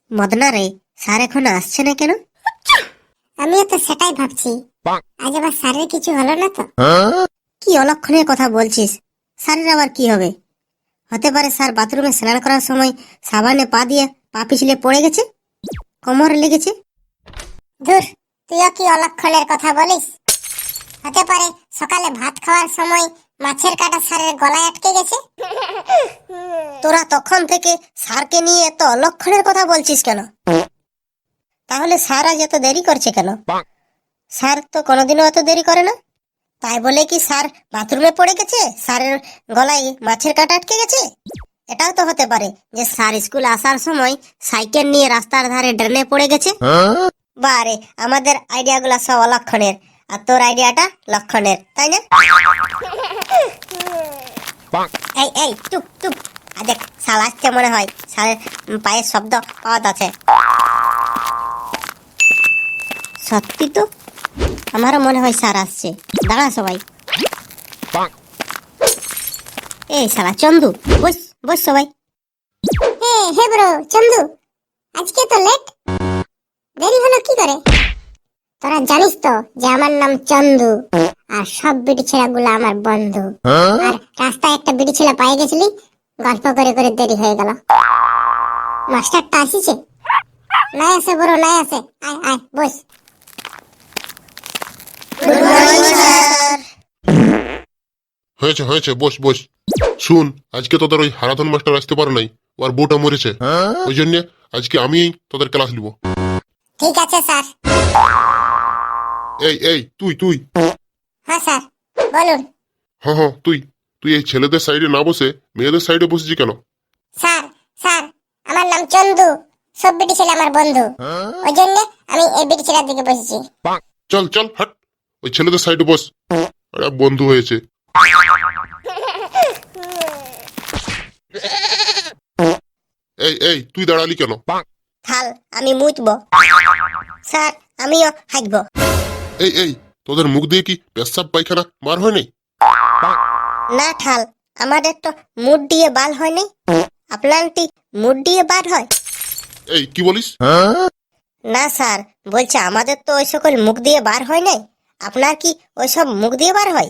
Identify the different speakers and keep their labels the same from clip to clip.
Speaker 1: মদনা রে, স্যার এখনো আসছে না কেন?
Speaker 2: আমিও তো সেটাই ভাবছি, আজ আবার স্যারের কিছু হলো না তো?
Speaker 1: কি অলক্ষণের কথা বলছিস? স্যারের আবার কি হবে? হতে পারে স্যার বাথরুমে স্নান করার সময় সাবানে পা দিয়ে পা পিছলে পড়ে গেছে, কোমরে লেগেছে।
Speaker 2: ধুর, তুইও কি অলক্ষণের কথা বলিস? হতে পারে সকালে ভাত খাওয়ার সময় মাছের কাঁটা স্যারের গলায় আটকে গেছে।
Speaker 1: তোরা তখন থেকে স্যারকে নিয়ে এত অলক্ষণের কথা বলছিস কেন? তাহলে স্যার আজ এত দেরি করছে কেন? স্যার তো কোনোদিনও এত দেরি করে না। তাই বলে কি স্যার বাথরুমে পড়ে গেছে, স্যারের গলায় মাছের কাঁটা আটকে গেছে? এটাও তো হতে পারে যে স্যার স্কুল আসার সময় সাইকেল নিয়ে রাস্তার ধারে ড্রেনে পড়ে গেছে। বারে, আমাদের আইডিয়াগুলো সব অলক্ষণের, আর তোর আইডিয়াটা লক্ষণের, তাই না? এই এই চুপ চুপ, দেখ শাল আসছে মনে হয়, শালের পায়ের শব্দ পাওয়া যাচ্ছে। সত্যি তো, আমারও মনে হয় স্যার আসছে। দাঁড়া সবাই। এই শালা চন্দু, বস বস সবাই।
Speaker 2: হে ব্রো চন্দু, আজকে তো লেট, দেরি হলো কি করে? তোরা জানিস তো যে আমার নাম চন্দু, আর সব বিড়ি ছেলেগুলো আমার বন্ধু। আর রাস্তায় একটা বিড়ি ছেলে পায়ে গেছিলি, গল্প করে করে দেরি হয়ে গেল। মাস্টারটা আসিছে? নাই আসে ব্রো, নাই আসে, আয় আয় বস।
Speaker 3: হয়েছে হয়েছে, বস বস। শুন, আজকে তোদের ওই হারাধন মাস্টার আসতে পারে নাই, ওর বউটা মরেছে। ওই জন্য আজকে আমি তোদের ক্লাস নিব।
Speaker 2: ঠিক আছে স্যার।
Speaker 3: এই এই তুই তুই
Speaker 2: হ্যাঁ স্যার, বলুন।
Speaker 3: হ্যাঁ হ্যাঁ তুই তুই এই ছেলেদের সাইডে না বসে মেয়েদের সাইডে বসেছি কেন?
Speaker 2: স্যার স্যার, আমার নাম চন্দু, সব বিড়ি ছেলে আমার বন্ধু, ওই জন্য আমি এই বিড়ি ছেলের দিকে বসেছি।
Speaker 3: চল চল হাট, ওই ছেলেদের সাইডে বস। আরে বন্ধু হয়েছে। এই এই তুই দাঁড়ালি কেন?
Speaker 1: থাল, আমি মুছবো। স্যার, আমিও হাঁকবো।
Speaker 3: এই এই তোদের মুখ দিয়ে কি পেশাব পায়খানা বার হয় নাই?
Speaker 1: না ঠাল, আমাদের তো মুড দিয়ে বাল হয়নি। আপনারটি মুড দিয়ে বার হয়?
Speaker 3: এই কি বলিস?
Speaker 1: না স্যার, বলছে আমাদের তো ওই সকল মুখ দিয়ে বার হয় নাই, আপনার কি ওইসব মুখ দিয়ে বার হয়?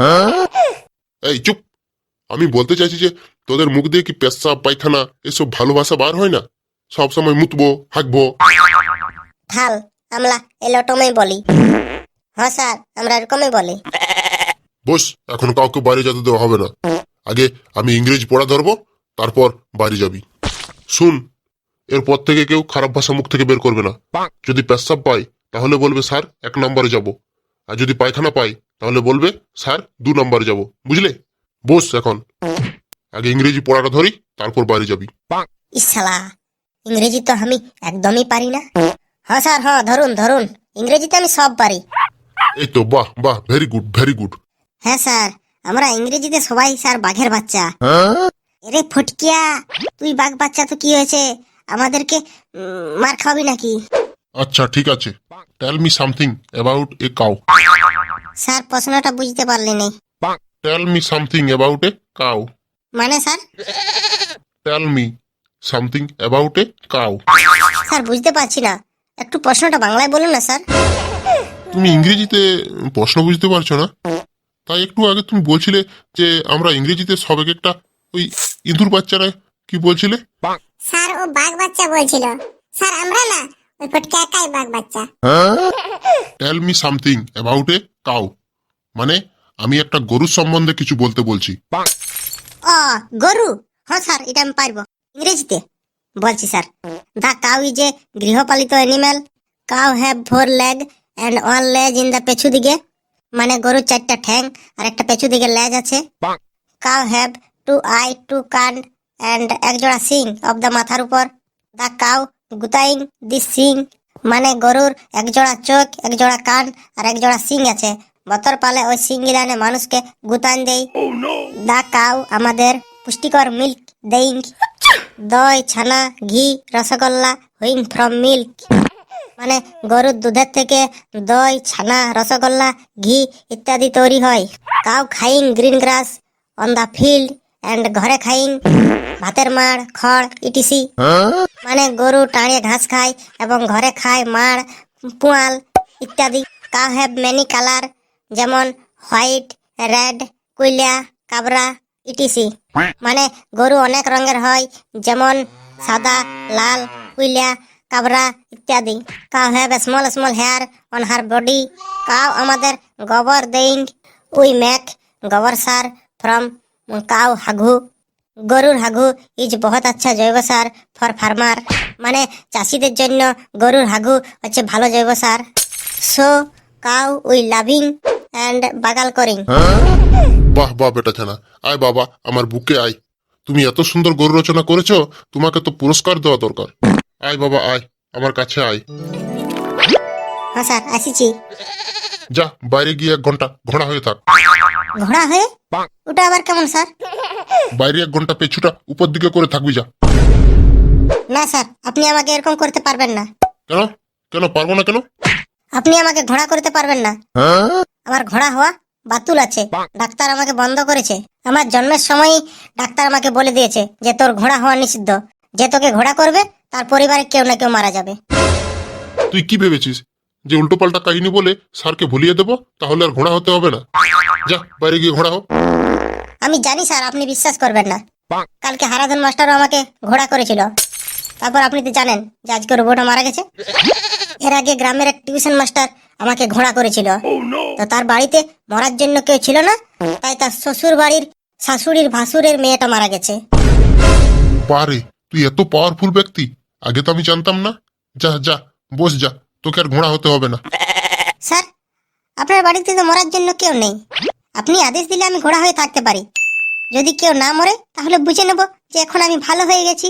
Speaker 3: এই চুপ, আমি বলতে চাইছি যে তোদের মুখ দিয়ে কি পেশাব পায়খানা এসব ভালোবাসা বার হয় না? সব সময় মুতবো হাঁকবো।
Speaker 1: থাল, আমরা এলোটমই বলি। হ্যাঁ স্যার, আমরা এরকমই বলি।
Speaker 3: বস, এখন কাউকে বাইরে যেতে দেওয়া হবে না। আগে আমি ইংরেজি পড়া ধরবো, তারপর বাড়ি যাবি। শুন, এরপর থেকে কেউ খারাপ ভাষা মুখ থেকে বের করবে না। যদি পেশাব পাই তাহলে বলবে স্যার 1 নম্বরে যাব, আর যদি পায়খানা পাই তাহলে বলবে স্যার 2 নম্বরে যাব, বুঝলে? বস এখন, আগে ইংরেজি পড়াটা ধরি, তারপর বাড়ি যাবি।
Speaker 1: ইসালা, ইংরেজি তো আমি একদমই পারি না। হ্যাঁ স্যার, হ্যাঁ ধরুন ধরুন, ইংরেজিতে আমি সব পারি।
Speaker 3: এই তো, বাহ বাহ, ভেরি গুড ভেরি গুড।
Speaker 1: হ্যাঁ স্যার, আমরা ইংরেজিতে সবাই স্যার বাঘের বাচ্চা। এরে ফটকিয়া, তুই বাঘ বাচ্চা তো কি হয়েছে, আমাদেরকে মার খাওয়াবি নাকি?
Speaker 3: আচ্ছা ঠিক আছে, tell me something about a cow.
Speaker 1: Sir, প্রশ্নটা বুঝতে পারলি নি।
Speaker 3: Tell me something about a cow.
Speaker 1: মানে sir?
Speaker 3: Tell me something about a cow.
Speaker 1: Sir বুঝতে পারছি না, একটু প্রশ্নটা বাংলায় বলুন না স্যার।
Speaker 3: তুমি ইংরেজিতে প্রশ্ন বুঝতে পারছো না? তাই একটু আগে তুমি বলছিলে যে আমরা ইংরেজিতে সব একটা ওই ইঁদুর বাচ্চারা কি বলছিলে?
Speaker 2: স্যার ও বাঘ বাচ্চা বলছিল। স্যার আমরা না, ওই ফটকে একাই বাঘ বাচ্চা।
Speaker 3: Tell me something about a cow মানে আমি একটা গরুর সম্বন্ধে কিছু বলতে বলছি।
Speaker 1: ও, গরু? হ্যাঁ স্যার, এটা আমি পারবো। ইংরেজিতে বলছি sir. The cow is a গৃহপালিত animal. Cow have 4 leg and 1 লেজ ইন দ্য পেছু দিকে। মানে গরুর 4টা ঠ্যাং আর একটা পেছু দিকে লেজ আছে। কাউ হ্যাভ 2 আই 2 কান অ্যান্ড 1 জোড়া সিং অফ দ্য মাথার উপর। দ্য কাউ গুতাইং দি সিং, মানে গরুর 1 জোড়া চোখ, 1 জোড়া কান আর 1 জোড়া সিং আছে। বতর পালে ওই সিং গিলানে মানুষকে গুতান দেয়। দা কাউ আমাদের পুষ্টিকর মিল্ক দেইং। দই, ছানা, ঘি, রসগোল্লা হুইং ফ্রম মিল্ক, মানে গরুর দুধের থেকে দই, ছানা, রসগোল্লা, ঘি ইত্যাদি তৈরি হয়। কাউ খাইং green grass on the field, and ঘরে খাইং ভাতের মাড় খড় ইটিসি। মানে গরু টাড়িয়ে ঘাস খায় এবং ঘরে খায় মাড় পুয়াল ইত্যাদি। কাউ হ্যাভ মেনি কালার, যেমন হোয়াইট, রেড, কুইলা, কাবরা ইটিসি। মানে গরু অনেক রঙের হয়, যেমন সাদা, লাল, কুইলা, কাবরা ইত্যাদি। Cow have small small hair on her body. Cow আমাদের গোবর দেইং, উই মেক গোবর সার ফ্রম কাউ হাগু। গরুর হাগু ইজ বহুত আচ্ছা জৈব সার ফর ফার্মার। মানে চাষিদের জন্য গরুর হাগু হচ্ছে ভালো জৈব সার। So cow we loving and বাগাল করিং।
Speaker 3: বাহ বাহ বেটা ছানা, আয় বাবা আমার বুকে আয়। তুমি এত সুন্দর গরু রচনা করেছো, তোমাকে তো পুরস্কার দেওয়া দরকার। আয় বাবা আয়, আমার কাছে আয়।
Speaker 1: হ্যাঁ স্যার আসিছি।
Speaker 3: যা বাইরে গিয়ে 1 ঘন্টা ঘোড়া হয়ে থাক।
Speaker 1: ঘোড়া হয়ে? ওটা আবার কেমন স্যার?
Speaker 3: বাইরে 1 ঘন্টা পেছুটা উপর দিকে করে থাকবি যা।
Speaker 1: না স্যার, আপনি আমাকে এরকম করতে পারবেন না।
Speaker 3: কেন কেন পারবো না কেন?
Speaker 1: আপনি আমাকে ঘোড়া করতে পারবেন না। আমার ঘোড়া হওয়া বাতুল আছে, ডাক্তার আমাকে বন্ধ করেছে। আমার জন্মের সময়ই ডাক্তার আমাকে বলে দিয়েছে যে তোর ঘোড়া হওয়া নিষিদ্ধ। যে তোকে ঘোড়া করবে তার পরিবারে কেউ না কেউ মারা যাবে।
Speaker 3: তুই কি ভেবেছিস যে উল্টো পাল্টা কাহিনী বলে স্যারকে ভুলিয়ে দেবো, তাহলে আর ঘোড়া হতে হবে না? যা বাইরে গিয়ে ঘোড়া হো।
Speaker 1: আমি জানি স্যার, আপনি বিশ্বাস করবেন না। কালকে হারাধন মাস্টারও আমাকে ঘোড়া করেছিল। তারপর আপনি তো জানেন যে আজকে রোবটও মারা গেছে। এর আগে গ্রামের এক টিউশন মাস্টার আমাকে ঘোড়া করেছিল। তো তার বাড়িতে মরার জন্য কেউ ছিল না, তাই তার শ্বশুর বাড়ির শাশুড়ির ভাসুরের মেয়েটা মারা গেছে।
Speaker 3: বারে, তুই এত পাওয়ারফুল ব্যক্তি, আগে তো আমি জানতাম না। যা যা বস যা, তোকে আর ঘোড়া হতে হবে না।
Speaker 1: স্যার, আপনার বাড়িতে তো মরার জন্য কেউ নেই। আপনি আদেশ দিলে আমি ঘোড়া হয়ে থাকতে পারি। যদি কেউ না মরে তাহলে বুঝে নেব যে এখন আমি ভালো হয়ে গেছি।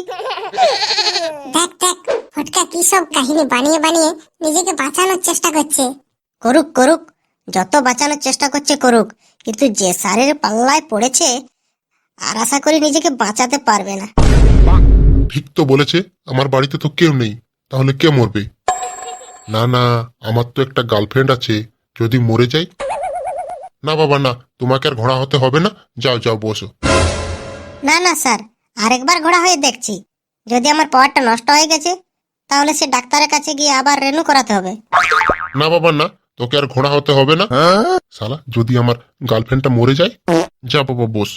Speaker 2: দেখ দেখ, ফটকা কি সব কাহিনী বানিয়ে বানিয়ে নিজেকে বাঁচানোর চেষ্টা করছে।
Speaker 1: করুক করুক, যত বাঁচানোর চেষ্টা করছে করুক, কিন্তু যে স্যারের পাল্লায় পড়েছে আর আশা করি নিজেকে বাঁচাতে পারবে না।
Speaker 3: ঠিক তো বলেছে, আমার বাড়িতে তো কেউ নেই, তাহলে কে মরবে? না না, আমার তো একটা গার্লফ্রেন্ড আছে, যদি মরে যাই। না বাবা না, তোমাকে আর ঘোড়া হতে হবে না। যাও যাও বসো।
Speaker 1: না না স্যার, আরেকবার ঘোড়া হয়ে দেখছি। যদি আমার পাওয়ারটা নষ্ট হয়ে গেছে তাহলে সে ডাক্তারের কাছে গিয়ে আবার রেনু করাতে হবে।
Speaker 3: না বাবা না, তোকে আর ঘোড়া হতে হবে না। শালা, যদি আমার গার্লফ্রেন্ডটা মরে যায়। যা বাবা বস।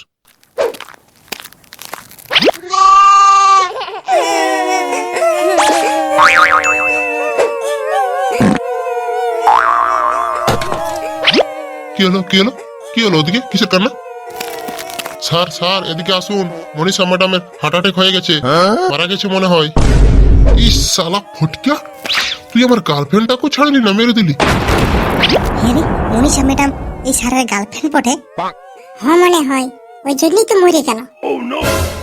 Speaker 3: কি হলো কি হলো কি হলো? ওদিকে কিসের কান্না? স্যার স্যার এদিকে আসুন, মনীষা ম্যাডামের হার্ট অ্যাটাক হয়ে গেছে, মারা গেছে মনে হয়। ইস শালা ফটকা, তুই আমার গার্লফ্রেন্ডটাকেও ছাড়লি না, মেরে দিলি।
Speaker 1: হ্যাঁ রে, মনীষা ম্যাডাম এই স্যারের গার্লফ্রেন্ড বটে।
Speaker 2: হ্যাঁ মনে হয়, ওই জন্যই তো মরে গেল।